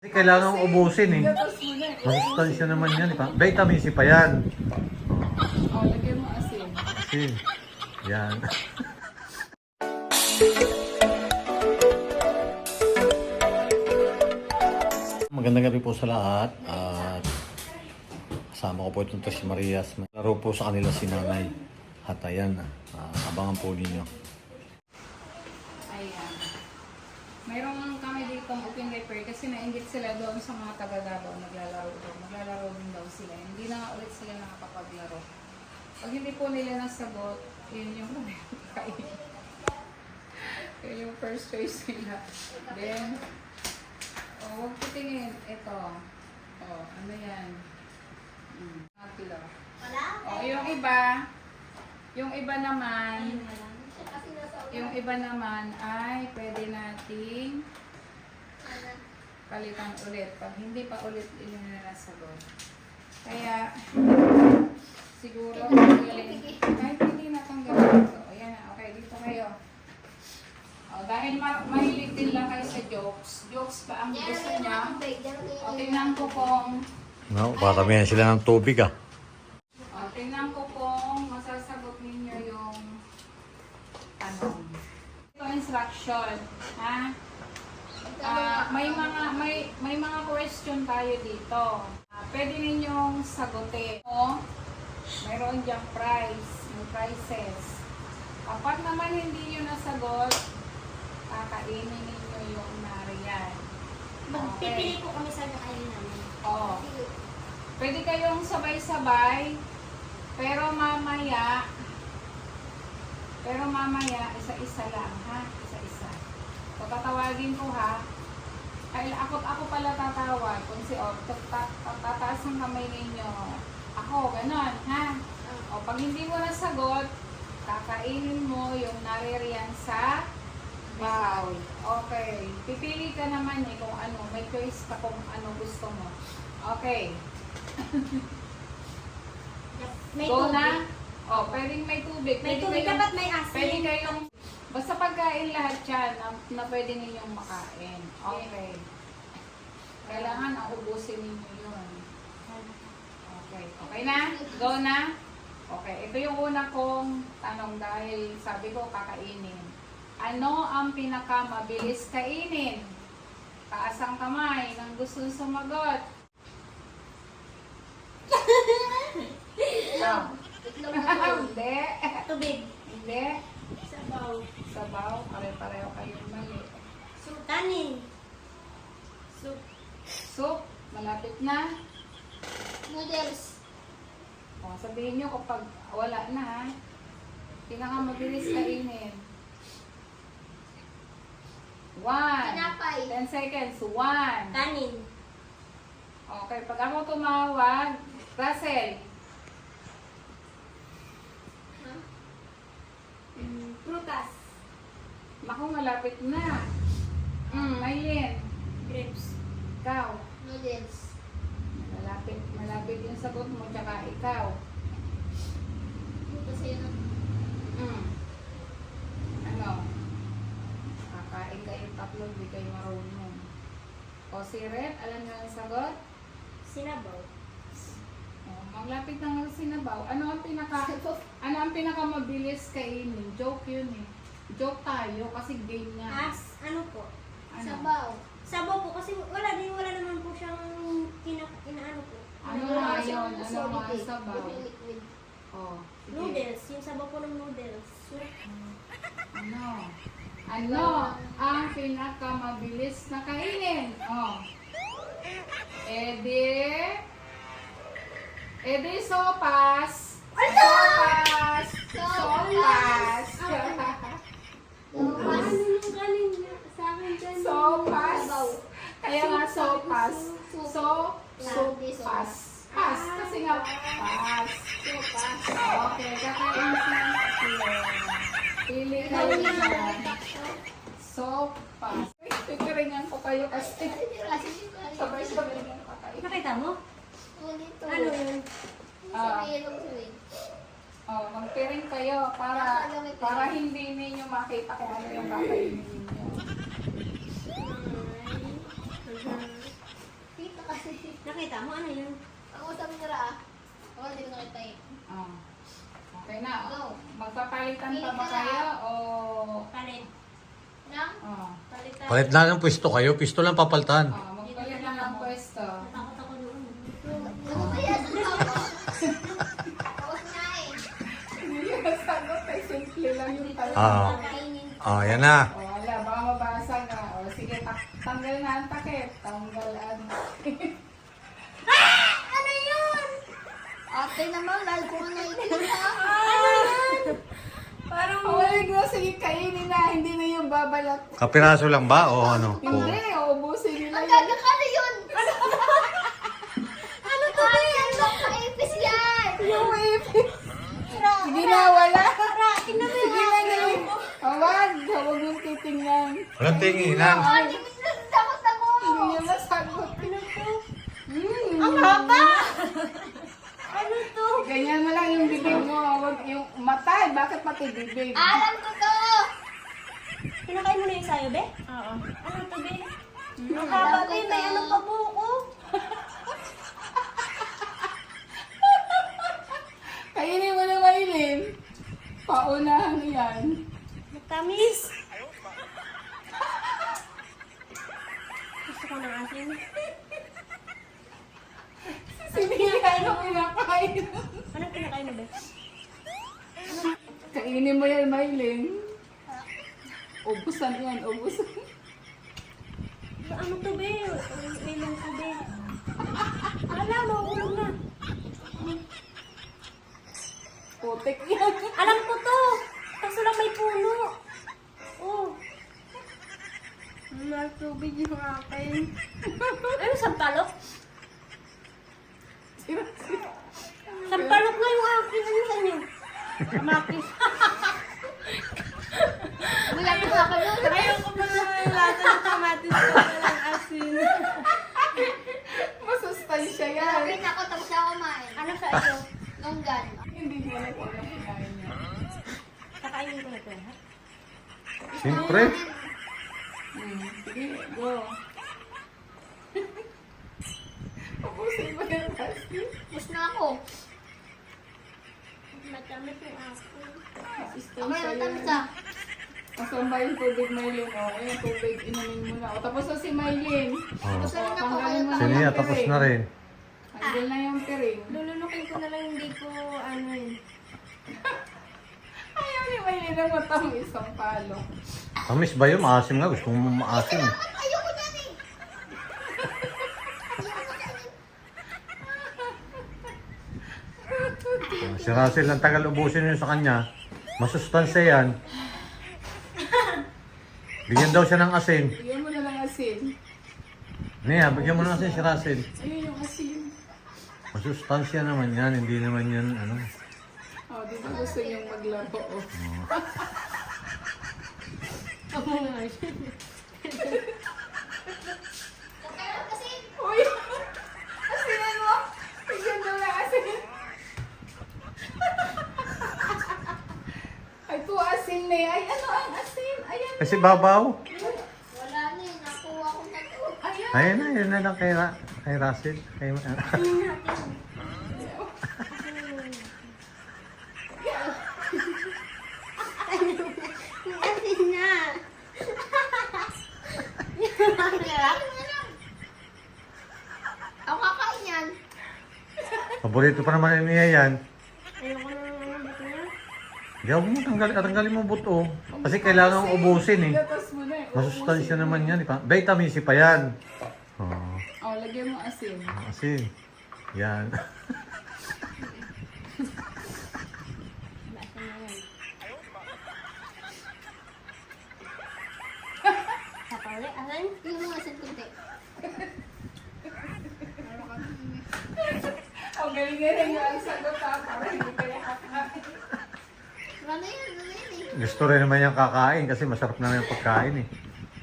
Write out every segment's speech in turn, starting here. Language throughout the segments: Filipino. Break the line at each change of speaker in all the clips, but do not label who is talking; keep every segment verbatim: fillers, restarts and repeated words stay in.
Kasi kailangan ubusin eh. Masustansya naman yan. Eh. Vitamin C pa yan.
Oh, lagyan mo asin.
Asin. Yan. Magandang gabi po sa lahat. At kasama ko po itong si Marias. Laro po sa kanila si Nanay. At ayan, uh, abangan po ninyo.
Ayan. Mayroon kami dito open repair kasi nainggit sila doon sa mga taga-Davao naglalaro doon. Maglalaro din daw sila. Hindi na nga ulit sila nakakapaglaro. Pag hindi po nila nasagot, yun yung kain. Yun yung first choice nila. Then, oh, huwag po tingin. Ito. Oh, ano yan? Hmm. Kilo. Oh, yung iba, yung iba naman, yung iba naman ay pwede nating palitan ulit. Pag hindi pa ulit yun na nasagot. Kaya, siguro, kahit hindi natanggalin ito. Ayan na, okay, dito kayo. O, dahil ma mahilig din lang kayo sa jokes. Jokes pa ang gusto niya. O, tingnan ko kung,
No, paramihan sila ng tubig ah.
o, tingnan ko kung masasagot ninyo yung tanong. Ito instruction, ha? Ah, may mga may may mga question tayo dito. Ah, pwede ninyong sagutin. O, mayroon diyang prize, may prizes. Kapag naman hindi niyo nasagot, kakainin ninyo yung nariyan.
Magpipili po kami sa nakain namin.
Oo. Pwede kayong sabay-sabay, pero mamaya, pero mamaya, isa-isa lang, ha? Isa-isa. So, tatawagin ko, ha? Ay, ako, ako pala tatawag. Kung si O, tataas ang kamay ninyo. Ako, ganon, ha? O, pag hindi mo nasagot, kakainin mo yung naririyan sa bowl. Okay. Pipili ka naman eh kung ano. May choice ka kung ano gusto mo. Okay.
May
Go
tubig.
na? O, pwedeng may tubig.
May
Pwede
tubig,
kayong-
dapat may asin.
Pwede kayong, basta pagkain lahat yan na, na pwede ninyong makain. Okay. Kailangan ang ubusin ninyo yun. Okay. Okay na? Go na? Okay. Ito yung una kong tanong dahil sabi ko kakainin. Ano ang pinakamabilis kainin? Taas ang kamay ng gusto sumagot. Oh.
Itlog na po.
Hindi.
Tubig.
Hindi.
Sabaw.
Sabaw. Pare-pareho kayong mali.
Sultanin. Soup.
Soup. Malapit na.
Noodles.
O, sabihin nyo kapag wala na ha. Pinakamabilis kainin. One.
Tinapay.
Ten seconds. One.
Kanin.
Okay. Pag ako tumawag, Russell.
Mm, prutas.
Naku, malapit na. Hmm, Maylin.
Grapes.
Ikaw.
Noodles.
Malapit, malapit yung sagot mo, tsaka ikaw.
Kasi yun.
Hmm. Ano? Kakain kayong tatlo, hindi kayo marunong. O si Red, alam niyo ang sagot?
Sinabaw.
O, malapit na nga sinabaw. Ano ang pinaka, ano ang pinaka mabilis kainin? Joke yun eh. Joke tayo kasi game nga.
As, ano po?
Ano?
Sabaw. Sabaw po kasi wala din, wala naman po siyang kina, inaano po.
Ano
Wala
nga
siyang
yun? Ano
solid
nga
eh.
sabaw?
Liquid.
O, sige.
Noodles. Yung sabaw po ng noodles. Soup.
Ano? Ano ang pinaka mabilis na kainin? O. Edi. Edi sopas.
Ano?
Sopas. Sopas.
Ano yung kanin niya? Sa akin dyan.
Sopas. Kaya nga sopas.
Soup.
So, sopas. Pas. Kasi nga pas.
Sopas.
Okay, kakain siya. Pili kayo dyan. Sopas. Pikiringan ko kayo kasi sabay-sabay nga pa kayo.
Nakita mo?
Ulit
Ano yun?
Ah.
Sa ilong suwing.
Oh, magpiring kayo para para hindi ninyo makita kung ano yung kakainin ninyo.
Nakita mo, ano yun?
Ang usap nila ah. Ako hindi ko nakita eh.
Oh. Okay na.
Go.
Magpapalitan pa ba kayo o...
Palit.
Nang?
Oh.
Palitan.
Palit na ng pwesto kayo. Pwesto lang papalitan.
Oh, magpalit lang ang pwesto.
Natakot ako noon.
Ano ba yan? Tapos na eh.
Hindi yung sagot ay simple lang yung tanong.
Ah.
Kainin.
Ah, yan na.
O, wala. Baka mabasa nga. O, sige, tak- tanggal na ang takip. Tanggal ang takip.
Ano yun?
Ate naman, lalo ko nga nakikita.
Parang huwag na, sige, kainin na. Hindi na yung babalat.
Kapiraso lang ba o ano? O.
Hindi, uubusin nila
Ang
yun.
gagakano yun? Ano to ba yan? Makaipis yan!
Yung ipis. Sige na, wala.
Tingnan mo
Sige na, dali. Huwag, huwag mong titingnan.
Walang tinginan.
Oh, di ko takot ako.
Hindi niya masagot.
Ano to?
Hmm.
Ang haba! Ano to?
Ganyan mo lang yung bibig mo. Huwag yung mata. eh. Bakit pati bibig?
Alam ko to.
Kinakain mo na yung sayo, be? Oo. Ano to, be?
Hmm.
Ang haba, be. May ano pa buko.
Kainin mo na, Maylin. Paunahan yan.
Matamis. Gusto ko ng asin.
Sinira na pinakain.
Anong kinakain mo, be?
Kainin mo yan, Maylin. Ubusan yan, ubusan.
Ano to, be? Ilong ko, be. Ala, mahulog na.
Putik yan.
Alam ko to. Kaso lang may puno. Oh. Natubig yung akin. Ano, sampalok? Sampalok na yung akin. Ano sa inyo? Kamatis.
Wala ko ako nun.
Ayoko pa naman yung lasa ng kamatis ko. Walang asin.
Masustansya yan.
Nalapit ako tapos ako kumain.
Ano sa iyo?
Longgan.
Hindi ko alam kung ano kinain niya.
Kakainin ko na ito, ha?
Siyempre.
Hmm. Sige, go. Ubusin mo yan, Rusty.
Bus na ako.
Matamis yung akin.
Okay,
Masustansya
matamis
yan.
ah.
Kasama yung tubig, Maylin. O, ayun, tubig, inumin mo na. O, tapos na si Maylin.
Oh.
Tapos na rin ako.
Tanggalin mo na
Sino
yung
yan? Tapos
piring.
na rin.
Tanggal na yung piring.
Lulunukin ko na lang, hindi ko ano yun.
Ayaw ni Maylin ang matang isang palo.
Tamis ba yun? Maasim nga. Gusto mo maasim.
Ayoko niyan eh.
Oh, si Russell ang tagal ubusin yun sa kanya. Masustansya yan. Bigyan daw siya ng asin.
Bigyan mo na lang asin.
Nia, bigyan mo ng asin si Russell.
Ayun yung asin.
Masustansya naman yan. Hindi naman yan ano.
O, di ba gusto niyong maglaro? O.
Ako nga.
Okay lang kasi.
Uy! Asinan mo! Bigyan mo na asin. Ay, po asin na yan. Ay, ano ang asin? Ayan
Kasi
na.
babaw.
Wala na eh. Nakuha ko na to.
Ayan.
Ayun na, yun na lang kay, Ra kay Russell. Kay,
Asin na.
Ako kakain yan.
paborito pa naman niya yan.
Ayoko na ng ano, buto niya.
Hindi ako mo tanggalin, tanggalin mo buto. Kasi kailangan ubusin eh.
Gatas mo na eh.
Masustansya naman yan. eh. Vitamin C pa yan. Oh,
O, lagyan mo asin.
kasi yan.
Basta na yan. Sakali, asan?
Yung mga santunti.
O, galing-galing yung ang sagot ha. Para hindi kaya kakain.
Wala na yan. Wala yan eh.
Gusto rin naman yung kakain kasi masarap naman yung pagkain eh.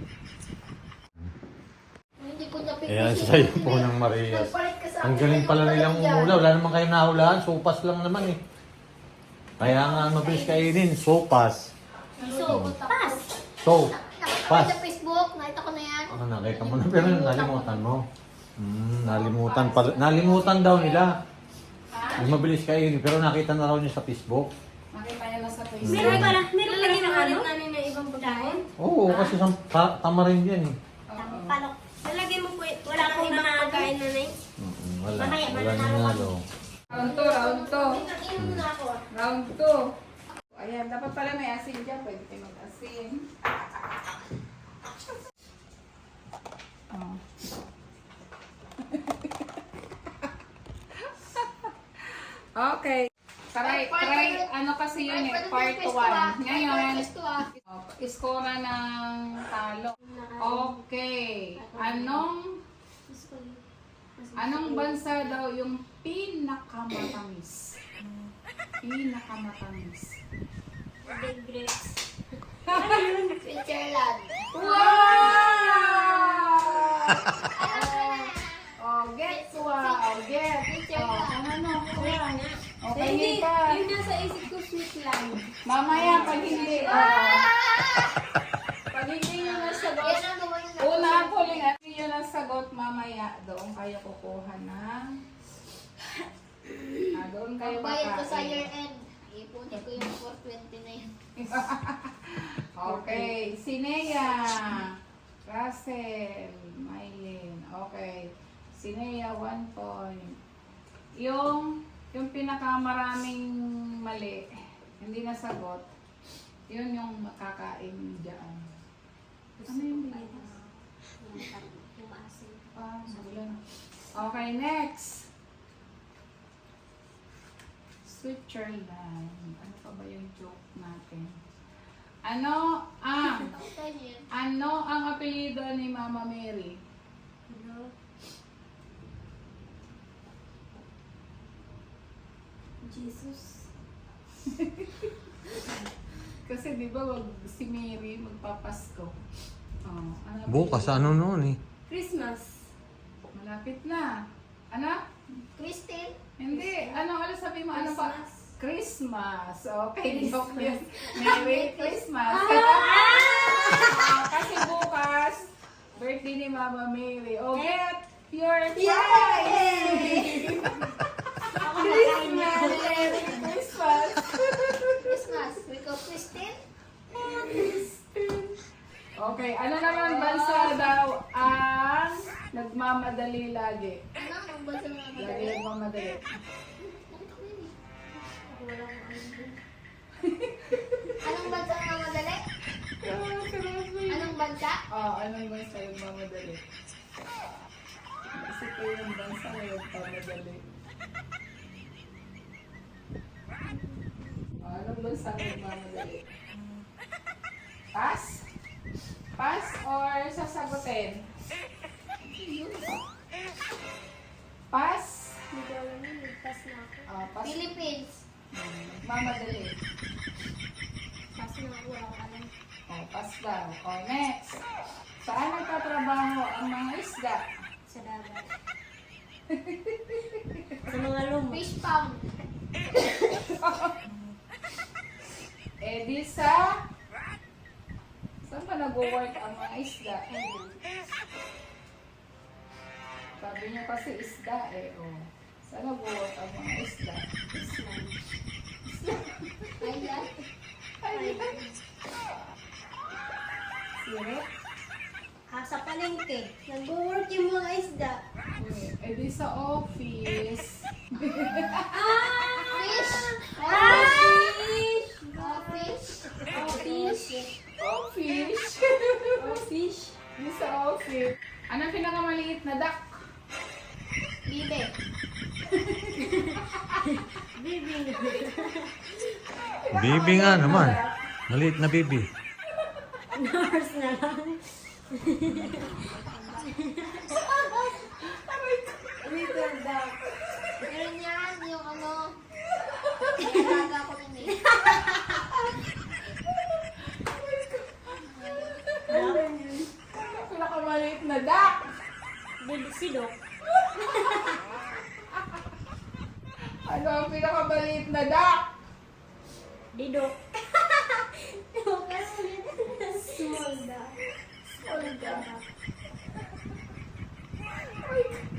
Hindi ko napipili.
Ayan, sa'yo po ng Marias. Ang galing pala nilang umula. Wala naman kayo nahulaan. Sopas lang naman eh. Kaya nga ang mabilis kainin. Sopas.
So, pas.
So,
Nakita ko
pas.
sa Facebook. Nakita ko na yan.
Ah, nakita mo na pero nalimutan mo. Hmm, nalimutan pala. Nalimutan daw nila. Yung mabilis kayo, pero nakita na raw niya sa Facebook.
Makita niya na sa Facebook.
Meron pala, meron pala
Lalagyan
ng
na
ano?
ulit namin ng ibang pagkain.
Oo, kasi sa, ta- tama rin yan eh.
Oo.
Palok. Lalagyan mo po, wala po ibang pagkain na na
Mm-mm, wala.
Mamaya,
Wala
mananalo
nanalo.
Round two, round two.
Inom muna ako. ah.
Round two. Ayan, dapat pala may asin dyan. Pwede kayo mag-asin. Oh. Okay. Try, try, ano kasi yun eh, part one. Ngayon, oh, iskora ng talo. Okay. Anong, anong bansa daw yung pinakamatamis? Pinakamatamis.
Big grapes.
Switzerland.
Wow! Oh, get wow, get. Oh, ano, ano, okay, hindi pa.
Yung nasa isip ko, Switzerland.
Mamaya, pag hindi, oh, pag hindi nyo nasagot,
Yan ang gumawa ng
una ang huling at hindi nyo nasagot, mamaya, doon kayo kukuha ng, ah, doon kayo
Bayad ko sa
kakain.
year end. Ipunin ko yung four twenty na yun.
Okay, si Nea, Russell, Mylene, okay. Si Nea, one point. Yung, yung pinakamaraming mali, hindi nasagot, yun yung makakain dyan. Ano yung bilis?
Yung maasin.
Ah, sabulan. Okay, next. Switzerland. Ano pa ba yung joke natin? Ano ang
Okay niya.
ano ang apelyido ni Mama Mary?
Ano? Jesus.
Kasi di ba wag si Mary magpapasko. Oh, ano
Bukas,
apelyido?
ano noon eh.
Christmas.
Malapit na. Ano?
Christine?
Hindi. Ano? Ano sabi mo? Ano pa?
Christmas.
Christmas. Okay, joke yun. Merry Christmas. Ah, kasi bukas, birthday ni Mama Mary. Oh, get your prize!
Ako nakain na.
Merry Christmas!
Christmas. We go Christine?
Okay, ano naman bansa daw ang nagmamadali lagi?
Ano ang bansa ng mga
Lagi
madali?
nagmamadali.
Nakita ko yun eh.
Wala akong ano.
Anong bansa ang mga madali? Anong bansa?
Oh, anong bansa nagmamadali? Isip ko yung bansa na nagmamadali. Oh, anong bansa nagmamadali? Pass? Pass or sasagutin? Pass?
Hindi ko alam yun. Ligtas na ako.
Oh, pass.
Philippines.
Hmm, Nagmamadali.
Kasi na wala akong alam.
Oh, pass daw. Oh, next. Saan nagtatrabaho ang mga isda?
Sa dagat. Sa mga lumot.
Fish pound.
Eh di sa... Saan ba nag-work ang mga isda? Sabi niyo kasi isda eh. Oh. Saan nag-work ang mga isda?
Ayan.
Sirit?
Ah, sa palengke. Nag-work yung mga isda.
Eh di sa office.
Fish.
Ah!
Oh, fish.
Oh, fish.
Office?
Oh, fish.
Di sa office. Anong pinakamaliit na duck?
Bibe.
Bibi.
Bibi nga naman. Maliit na bibi.
Nurse na lang. Little dog.
Meron yan, yung ano. Nalaga ko nun eh.
Pinakamaliit na duck?
Bibi si Doc.
Ano ang pinakamaliit na duck?
Didok. Small dog.
Small duck.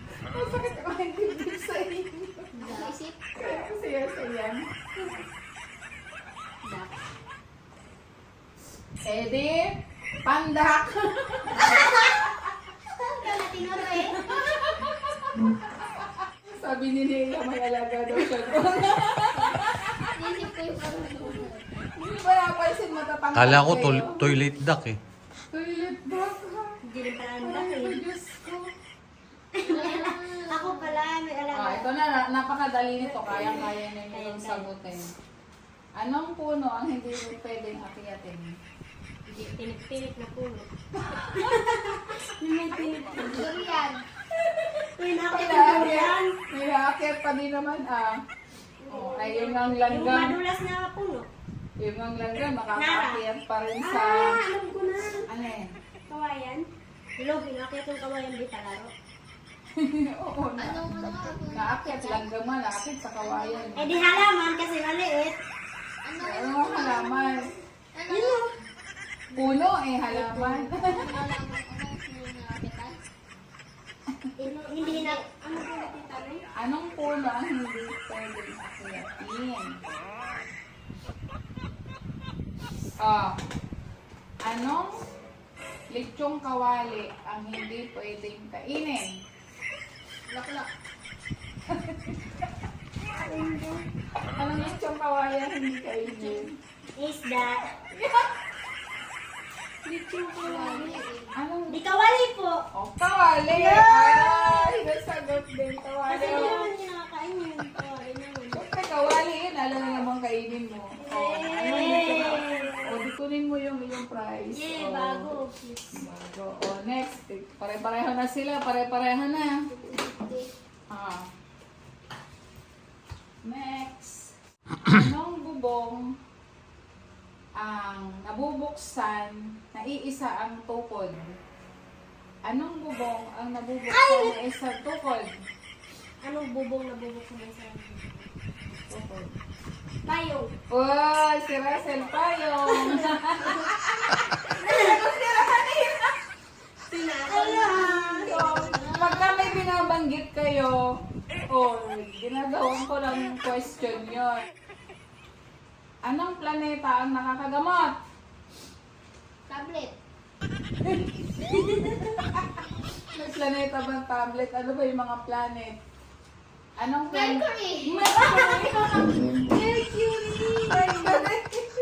Sabi ni Nila, may alaga daw siya.
Inisip ko yung parang
Hindi ba napansin matatangkad
Kala ko
kayo?
tol- toilet duck eh.
Toilet duck ha?
Hindi rin pala ang
Ay,
dahil.
Diyos ko.
Ako pala, may
Ah,
alaga.
ito na, na- napakadali nito. Kayang-kaya na yung sagutin. Anong puno ang hindi mo pwedeng akiyatin?
Hindi, pinip-pinip na puno. Yung may pinip-pinip.
durian.
Uy,
May
nakakit
naakyat, may naakyat pa din naman ah. Oh, ay yun ang
Yung
langgam.
madulas na puno.
Yung ang langgam, makakaakyat pa rin sa...
Ah, alam ko na.
Ano eh?
Kawayan. Hello, pinakit yung kawayan di talaro.
Oo, na,
Anong ano nga po?
naakyat langgam man, naakyat sa kawayan.
Eh di halaman kasi maliit.
Ano?
Ano ang halaman?
Ano?
Yun.
Puno eh, halaman.
Malaman ko na yung nakakitan.
Eh, hindi na, ano po nakita na yun?
Anong puno ang hindi pwedeng akyatin? Ah, anong lechong kawali ang hindi pwedeng kainin?
Laklak.
Anong lechong kawali ang hindi kainin?
Isda.
Lechong kawali. Anong
Di kawali po.
Oh, kawali! Ay, nasagot din, kawali.
Kasi hindi naman niya nakakain yun. Kawali naman.
Siyempre, kawali yun. Alam na namang kainin mo. Oh, ano yung lechong kawali? O, di kunin mo yung iyong prize.
Yeah,
Oh.
bago.
Bago. O, next. Pare-pareho na sila. Pare-pareho na. Ah. Next. Anong bubong ang nabubuksan na iisa ang tukod? Anong bubong ang nabubuksan na isa tukod?
Anong bubong na bubok sa may sarang?
Tukod.
Payong.
Uy, si Russell Payong.
Ayan.
So, pagka may binabanggit kayo, oh, ginagawan ko ng question yon. Anong planeta ang nakakagamot?
Tablet.
May planeta bang tablet? Ano ba yung mga planet? Anong planet?
Mercury.
Mercury! Mercury!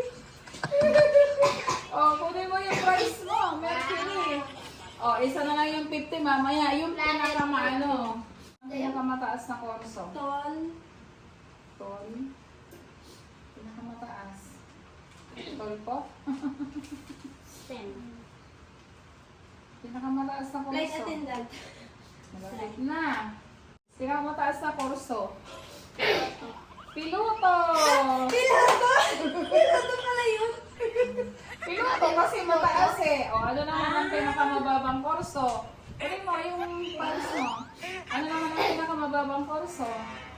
Oh, kunin mo yung price mo, Mercury. Oh, isa na lang yung fifty mamaya. Yung pinakamaano. Ang pinakamataas na korso.
Tol.
Tol. Pinakamataas. Tol po?
Stem.
Pinakamataas na korso.
Flight attendant.
Malapit na. Pinakamataas na korso. Piloto!
Piloto? Piloto pala yun.
Piloto kasi mataas eh. O ano naman ang pinakamababang korso? Kunin mo yung pulse mo. Ano naman ang pinakamababang korso?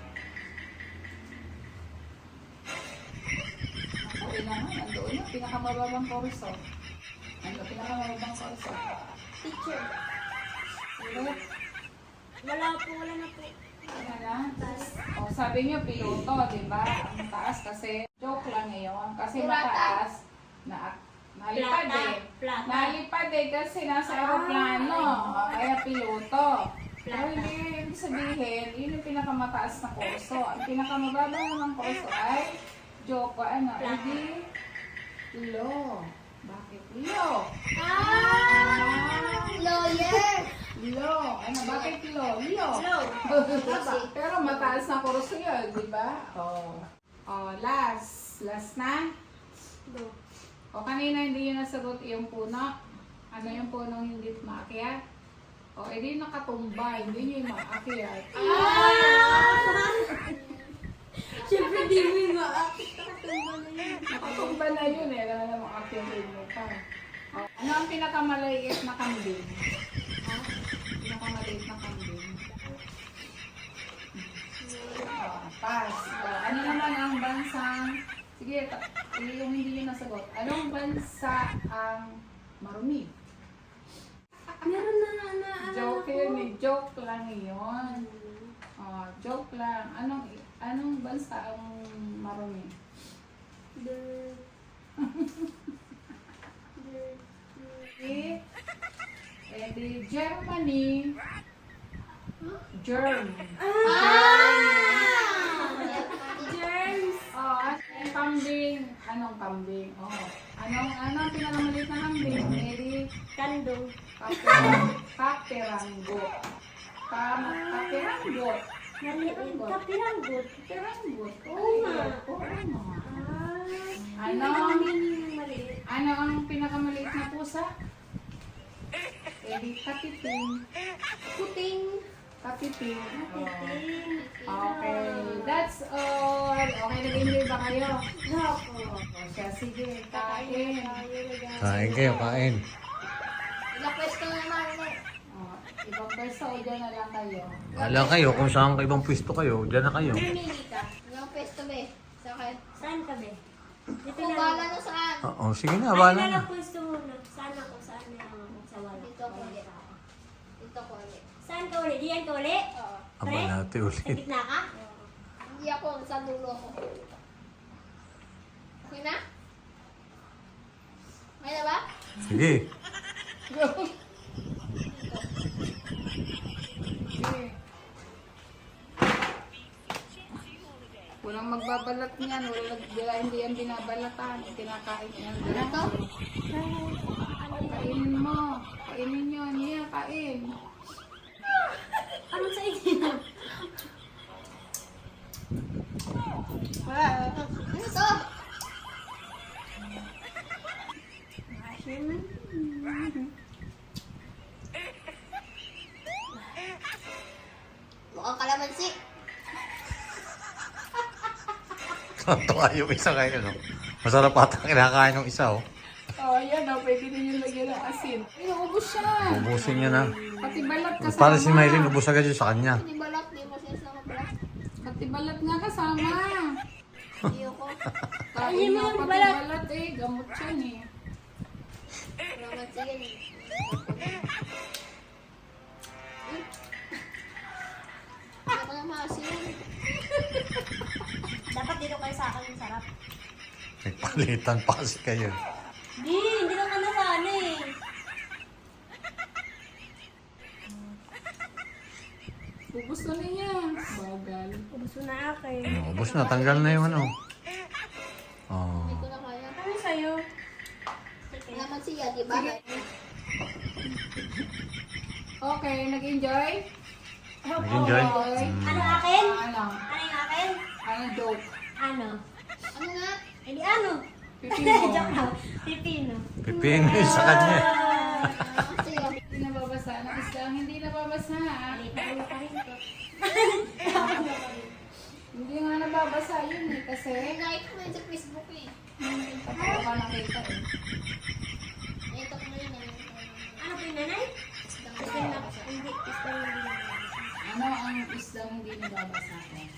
Ako, yun naman. Andoon yung pinakamababang korso. Ano pinakamababang korso?
Teacher.
Pilot.
Wala po, wala na po.
Ano na? O, sabi niyo piloto, di ba? Ang taas kasi, joke lang ngayon. Kasi
Pirata.
mataas, na, nalipad
Plata.
eh.
Plata.
Nalipad eh kasi nasa aeroplano. O, kaya piloto. Pero
Plata.
hindi ibig sabihin, yun yung pinakamataas na kurso. Ang pinakamababa naman kurso ay, joke, ano,
Plata.
hindi, lo. Bakit lo?
Ah! Lawyer.
Lo. Ano, bakit lo? Lo.
Hello.
Pero mataas na kurso yun, di ba? Oh. Oh, last. Last na?
Go.
O kanina hindi yun nasagot yung puno. Ano yung punong hindi maakyat? O edi yung nakatumba, hindi nyo yung maakyat.
Ah! Siyempre di mo yung maakit. Nakatumba na yun.
Nakatumba na yun eh, alam na maakyat mo pa. O, ano ang pinakamaliit na kambing? Ha? Pinakamaliit na kambing. O, pass. O, ano naman ang bansang... Sige, ta- yung hindi yun nasagot. Anong bansa ang marumi?
Meron na na na.
Joke yun eh. Joke lang yun. Oh, joke lang. Anong anong bansa ang marumi?
The...
Eh, eh di Germany. Germ.
Germs.
Oh, at yung kambing. Anong kambing? Oh. Anong, anong pinakamaliit na kambing? Edi,
Kandong.
kaperang, kaperanggo. Kam, kaperanggo.
Maliit. Kapiranggot.
Kaperanggo.
Oo nga.
Oo nga.
Ah.
Ano?
Yung maliit.
Ano ang pinakamaliit na pusa? Edi, katiting.
Puting.
Katiting. Oh.
Puting.
Okay, that's all. Okay, nag-enjoy ba kayo?
Opo.
O siya, sige, kain.
Kain kayo, kain.
Ilang pwesto naman eh.
O, ibang pwesto o dyan na lang kayo.
Wala kayo, kung saan ka ibang pwesto kayo, dyan na kayo.
Pumili ka.
Ilang pwesto ba eh? Sa akin.
Saan ka ba? Dito
Kung
na
bala
lang.
na saan?
Oo, sige na,
Ay,
wala
na
na.
lang pwesto muna. Saan ako? Saan na lang ako? Sa wala.
Dito ako ulit. Dito ko ulit.
Saan ka uli? Diyan ka uli?
Oo.
Aba natin
Sa
ulit.
gitna ka?
Hindi ako, sa dulo ko. Okay na? Okay na ba?
Sige.
Sige. Walang magbabalat niyan, walang wala, hindi yan binabalatan, kinakain yan.
Ano to?
Kainin mo, kainin nyo, niya, kain.
Ano sa inyo?
Ano to? Mukhang kalamansi.
Tuwa yung isa kayo, no? Masarap ata kinakain ng isa, oh.
Oh, yan o, pwede din yung lagyan ng asin. Inuubos siya.
Ubusin niya na.
Pati balat kasama.
Para si Maylin, ubus agad yun sa kanya.
Hindi balak, di mo sinasama balak.
Pati balat nga kasama.
Hindi ako.
Kain
Ayun
nga
mo yung
pati
balat.
balat eh, gamot yan eh.
Kalamansi yan eh. Hmm? Hindi ako nang maasin.
Dapat dito kayo sa akin yung sarap.
Nagpalitan pa kasi kayo.
Di, hindi lang ka nasana eh.
Ubus na niya. Bagal.
Ubus mo na akin.
Ano, ubus na, tanggal na yung ano. Oh.
Hindi ko na kaya.
Ano sa'yo?
Kalamansi yan, di ba?
Okay, nag-enjoy?
Nag-enjoy?
Okay.
Ano akin?
Ano?
Ano yung akin?
Ano joke?
Ano?
Ano nga?
Eh di ano?
Pipino.
Joke lang. Pipino.
Pipin sa kanya.
Kasi yan.
Hindi nababasa. Ang isda ang hindi nababasa.
Alita ko pa rin ko.
Hindi nga nababasa yun eh. Kasi
Like ko yun sa Facebook eh.
hindi pa pa nakita eh.
Ito ko yun eh.
Ano po yung nanay? Isda na. Hindi. Isda na hindi.
Ano ang isda hindi nababasa?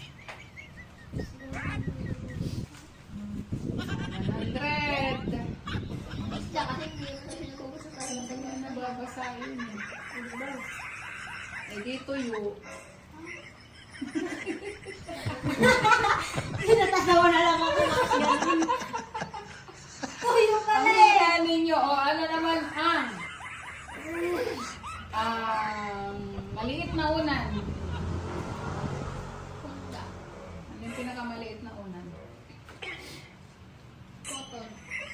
one hundred.
Isda kasi hindi mo na pinagkukusa sa
Hindi nga nababasa yun eh. Eh di tuyo.
Pinatatawa na lang ako. Ganun. Tuyo pala
Ang
eh.
hila ninyo, o ano naman ang um, maliit na unan.
Punta.
Ano yung pinakamaliit na unan?
Cotton.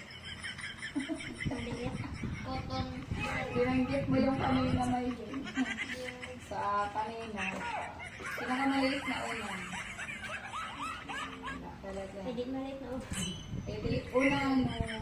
Maliit.
Cotton.
Binanggit mo yung kanina na yun. Sa kanina. Pinakamaliit na unan. Wala talaga.
Pwede maliit na upo.
Eh di unan.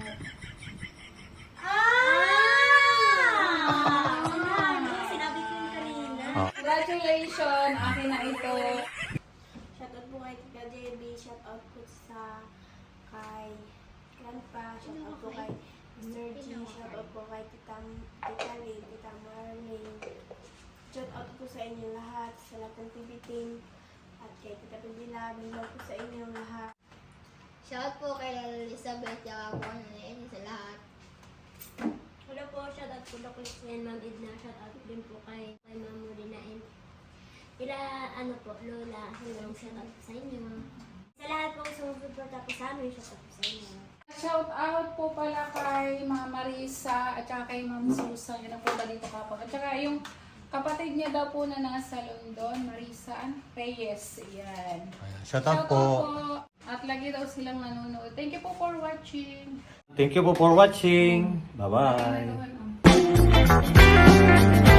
Ah! Ah! Sinabi ko yung kanina.
Oh.
Congratulations! Akin na ito.
Shoutout po kay Tita J B. Shoutout po sa kay Grandpa. Shoutout po kay Mister G. Shoutout po kay Tita, Tita Lee, Tita Marlene. Shoutout po sa inyo lahat, sa lahat ng T V team. At kay Tita Pindila. Hello po sa inyo lahat.
Shout po kay Elizabeth at ako na sa lahat.
Hello po, shoutout po Doc Lexen, Ma'am Edna. Shoutout din po kay, kay Ma'am Molina and ila ano po, Lola. Hello, shoutout po sa inyo. Sa lahat po sumusuporta po sa amin, shoutout po sa inyo.
Shout out po pala kay Ma'am Marisa at saka kay Ma'am Susan. Yun ang punta dito kapag. At saka yung Kapatid niya daw po na nasa London, Marisa Reyes. Ayan.
Shout out po.
At lagi daw silang nanonood. Thank you po for watching.
Thank you po for watching. Bye-bye.
Bye.